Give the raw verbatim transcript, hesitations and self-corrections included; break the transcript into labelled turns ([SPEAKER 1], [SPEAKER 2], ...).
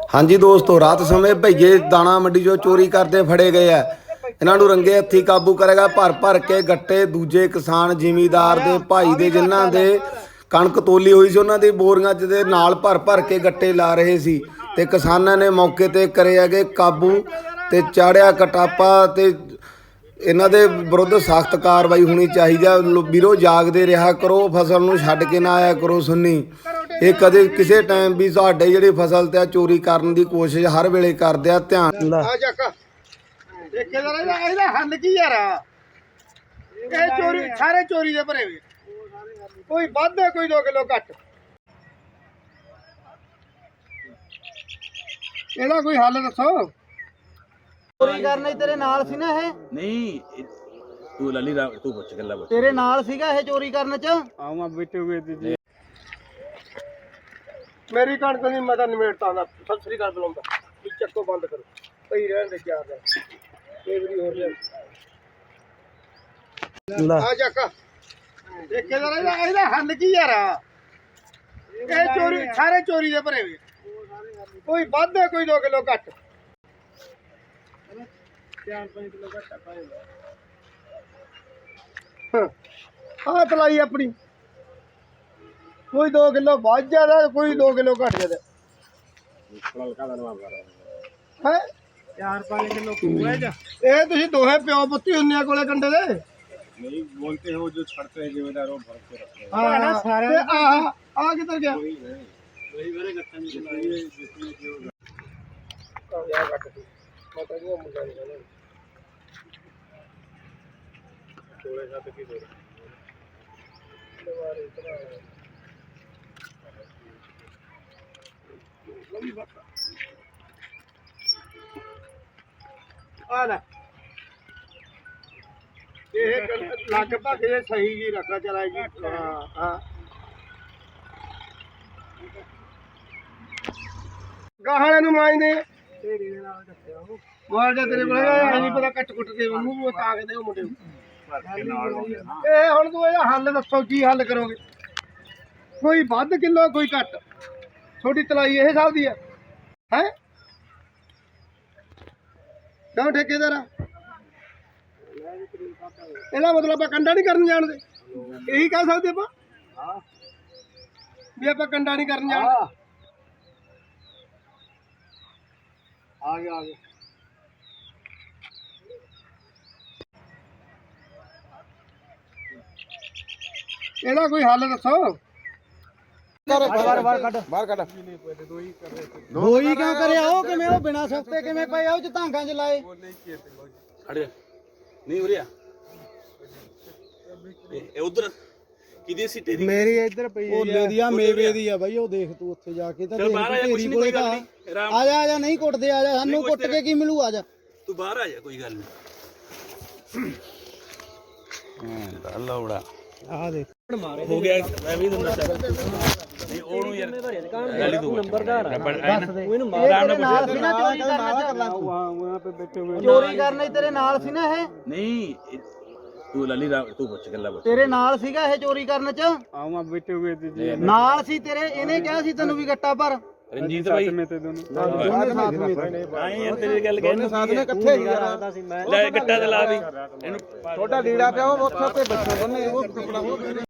[SPEAKER 1] हाँ जी दोस्तों, रात समय भईए दाना मंडी चो चोरी करते फड़े गए है। इन्हों रंगे हथी काबू करेगा। भर भर के गट्टे दूजे किसान जिमीदार दे भाई दे जिन्हां दे कणक तोली हुई सी उन्हां दी बोरियां च दे नाल भर भर के गट्टे ला रहे सी ते किसानां ने मौके ते करे हैगे काबू ते चाढ़िया कटापा ते इन्हां दे विरुद्ध सख्त कार्रवाई होनी चाहिए। ਵੀਰੋ ਜਾਗਦੇ ਰਿਹਾ ਕਰੋ, फसल ਨੂੰ ਛੱਡ ਕੇ ਨਾ ਆਇਆ ਕਰੋ ਸੁੰਨੀ। ਇਹ ਕਦੇ ਕਿਸੇ ਟਾਈਮ ਵੀ ਸਾਡੇ ਜਿਹੜੀ ਫਸਲ ਤੇ ਚੋਰੀ ਕਰਨ ਦੀ ਕੋਸ਼ਿਸ਼ ਹਰ ਵੇਲੇ ਕਰਦੇ ਆ। ਧਿਆਨ
[SPEAKER 2] ਆ ਚੱਕ ਠੇਕੇਦਾਰ ਇਹਦਾ ਇਹਦਾ ਹੱਲ ਕੀ ਯਾਰ? ਇਹ ਚੋਰੀ ਸਾਰੇ ਚੋਰੀ ਦੇ ਭਰੇ ਵੇ, ਕੋਈ ਵੱਧ ਹੈ ਕੋਈ ਦੋ ਕਿਲੋ ਘੱਟ। ਇਹਦਾ ਕੋਈ ਹੱਲ ਦੱਸੋ।
[SPEAKER 3] ਚੋਰੀ ਕਰਨੇ ਤੇਰੇ ਨਾਲ ਸੀ ਨਾ ਇਹ?
[SPEAKER 4] ਨਹੀਂ ਤੂੰ ਲੱਲੀ ਰਾ ਤੂੰ ਪੁੱਛ ਗੱਲਾਂ ਪੁੱਛ।
[SPEAKER 3] ਤੇਰੇ ਨਾਲ ਸੀਗਾ ਇਹ ਚੋਰੀ ਕਰਨ ਚ?
[SPEAKER 2] ਆਵਾਂ ਬੈਠੇ ਹੋਏ ਜੀ। ਮੇਰੀ ਕਣਕ ਨਹੀਂ ਮੈਂ ਤਾਂ ਨਿਮੇੜਤਾ ਦਾ। ਸਤਿ ਸ੍ਰੀ ਅਕਾਲ ਬੁਲਾਉਂਦਾ ਵੀ ਚੱਕੋ ਬੰਦ ਕਰੋ, ਪਈ ਰਹਿਣ ਦੇ ਚਾਰ ਦਾ ਇਹ ਵੀ ਹੋ ਰਿਹਾ। ਆ ਚੱਕ ਠੇਕੇਦਾਰ ਇਹਦਾ ਇਹਦਾ ਹੱਲ ਕੀ ਯਾਰ? ਇਹ ਚੋਰੀ ਸਾਰੇ ਚੋਰੀ ਦੇ ਭਰੇ ਵੇ, ਕੋਈ ਵੱਧ ਹੈ ਕੋਈ ਦੋ ਕਿਲੋ ਘੱਟ। ਚਾਰ ਪੰਜ ਕਿਲੋ ਘੱਟ ਪਾਏਗਾ। ਹਾਂ ਤਲਾਈ ਆਪਣੀ, ਕੋਈ ਦੋ ਕਿਲੋ ਵੱਧ ਜ਼ਿਆਦਾ ਕੋਈ ਦੋ ਕਿਲੋ ਘੱਟ ਜ਼ਿਆਦਾ ਹੈ। ਚਾਰ ਪੰਜ ਕਿਲੋ ਇਹ ਤੁਸੀਂ ਦੋਹੇ ਪਿਓ ਪੁੱਤੀ ਹੁੰਨੇ ਕੋਲੇ ਕੰਡੇ ਦੇ ਨਹੀਂ ਬੋਲਤੇ ਹੋ ਜੋ ਛੜਤੇ ਹੈ ਜ਼ਿੰਮੇਦਾਰ ਉਹ ਭਰ ਕੇ ਰੱਖੇ। ਹਾਂ ਸਾਰੇ ਆ ਆ ਕਿੱਧਰ ਗਿਆ? ਵਹੀ ਮੇਰੇ ਗੱਟਾਂ ਦੀ ਚਲਾਈ ਹੈ ਜਿੱਤੀ ਜੋ ਆ ਗਿਆ ਘੱਟ ਦੀ ਪਤਾ ਨਹੀਂ ਉਹ ਮੁੰਡਾ ਨਹੀਂ ਕੋਲੇ ਛੱਡ ਕੇ ਦੇ ਦੁਬਾਰੇ ਇਤਨਾ ਆ ਲੈ ਇਹ ਲਗਭਗ ਇਹ ਸਹੀ ਜੀ ਰੱਖਣਾ ਚਲਾ ਜੀ। ਹਾਂ ਹਾਂ ਗਾਹਣੇ ਨੂੰ ਮਾਂਜਦੇ ਢੇਰੀ ਦੇ ਨਾਲ ਕੱਟਿਆ ਉਹ ਮਾਰ ਜਾ ਤੇਰੇ ਕੋਲ ਇਹ ਨਹੀਂ ਪਤਾ ਕੱਟ ਕੁੱਟ ਕੇ ਉਹਨੂੰ ਉਹ ਤਾਕਦੇ ਉਹ ਮੁੰਡੇ ਇਹ ਹੁਣ ਤੂੰ ਇਹਦਾ ਹੱਲ ਦੱਸੋ, ਕੀ ਹੱਲ ਕਰੋਗੇ? ਕੋਈ ਵੱਧ ਕਿਲੋ ਕੋਈ ਘੱਟ। ਛੋਟੀ ਤਲਾਈ ਇਹ ਹਿਸਾਬ ਦੀ ਹੈ ਹੈ ਕਿਉਂ ਠੇਕੇਦਾਰ? ਇਹਦਾ ਮਤਲਬ ਆਪਾਂ ਕੰਡਾ ਨਹੀਂ ਕਰਨ ਜਾਣਦੇ, ਇਹੀ ਕਹਿ ਸਕਦੇ ਆਪਾਂ ਵੀ ਆਪਾਂ ਕੰਡਾ ਨਹੀਂ ਕਰਨ ਜਾਣਦੇ। ਆ ਗਿਆ ਆ ਗਿਆ ਇਹਦਾ ਕੋਈ ਹੱਲ ਦੱਸੋ।
[SPEAKER 3] ਬਾਹਰ ਬਾਹਰ ਕੱਢ ਬਾਹਰ ਕੱਢ। ਦੋ ਹੀ ਕਿਉਂ ਕਰਿਆ? ਉਹ ਕਿਵੇਂ ਉਹ ਬਿਨਾ ਸਫਤੇ ਕਿਵੇਂ ਪਏ ਆ ਉਹ ਚ ਧਾਂਗਾਂ ਚ ਲਾਏ?
[SPEAKER 4] ਖੜ ਜਾ ਨਹੀਂ ਉਰਿਆ ਇਹ ਉਧਰ ਕਿਹਦੀ ਸੀ ਤੇਰੀ?
[SPEAKER 3] ਮੇਰੀ ਇੱਧਰ ਪਈ ਉਹ ਲੇਦੀਆ ਮੇਵੇ ਦੀ ਆ ਬਾਈ, ਉਹ ਦੇਖ ਤੂੰ ਉੱਥੇ ਜਾ ਕੇ ਤਾਂ ਢੇਰੀ ਕੋਲੇ ਤਾਂ ਆ ਜਾ ਆ ਜਾ ਨਹੀਂ ਕੁੱਟਦੇ, ਆ ਜਾ ਸਾਨੂੰ ਕੁੱਟ ਕੇ ਕੀ ਮਿਲੂ? ਆ ਜਾ
[SPEAKER 4] ਤੂੰ ਬਾਹਰ ਆ ਜਾ, ਕੋਈ ਗੱਲ ਨਹੀਂ। ਹਾਂ ਲੌੜਾ
[SPEAKER 3] ਆ ਦੇਖ
[SPEAKER 4] ਹੋ ਗਿਆ। ਮੈਂ ਵੀ ਤੁਹਾਨੂੰ ਨਹੀਂ ਉਹਨੂੰ ਯਾਰ ਲੱਲੀ ਤੂੰ ਨੰਬਰਦਾਰ ਉਹਨੂੰ ਮਾਰ ਨਾਲ ਸੀ ਨਾ ਚੋਰੀ ਕਰਨਾ ਚ।
[SPEAKER 3] ਵਹਾਂ ਪੇ ਬੈਠੇ ਹੋਏ ਚੋਰੀ ਕਰਨੇ ਤੇਰੇ ਨਾਲ ਸੀ ਨਾ ਇਹ?
[SPEAKER 4] ਨਹੀਂ ਤੂੰ ਲੱਲੀ ਰਾ ਤੂੰ ਪੁੱਛ ਗੱਲਾਂ ਪੁੱਛ।
[SPEAKER 3] ਤੇਰੇ ਨਾਲ ਸੀਗਾ ਇਹ ਚੋਰੀ ਕਰਨ ਚ?
[SPEAKER 2] ਆਵਾਂ ਬੈਠੇ ਹੋਏ ਜੀ
[SPEAKER 3] ਨਾਲ ਸੀ ਤੇਰੇ? ਇਹਨੇ ਕਿਹਾ ਸੀ ਤੈਨੂੰ ਵੀ ਗੱਟਾ ਭਰ।
[SPEAKER 4] ਰਣਜੀਤ ਭਾਈ
[SPEAKER 2] ਮੈਂ ਤੇ ਦੋਨੋਂ
[SPEAKER 4] ਆਏ ਯਾਰ ਤੇਰੀ ਗੱਲ ਕਹਿਣ
[SPEAKER 3] ਸਾਥ ਨੇ ਇਕੱਠੇ ਹੀ ਲੱਗਦਾ ਸੀ। ਮੈਂ
[SPEAKER 4] ਲੈ ਗੱਟਾ ਤੇ ਲਾ ਦੀ ਇਹਨੂੰ
[SPEAKER 3] ਛੋਟਾ ਲੀੜਾ ਪਿਆ ਉਹ ਉੱਥੇ ਤੇ ਬੱਚੇ ਬੰਨੇ ਉਹ ਕੱਪੜਾ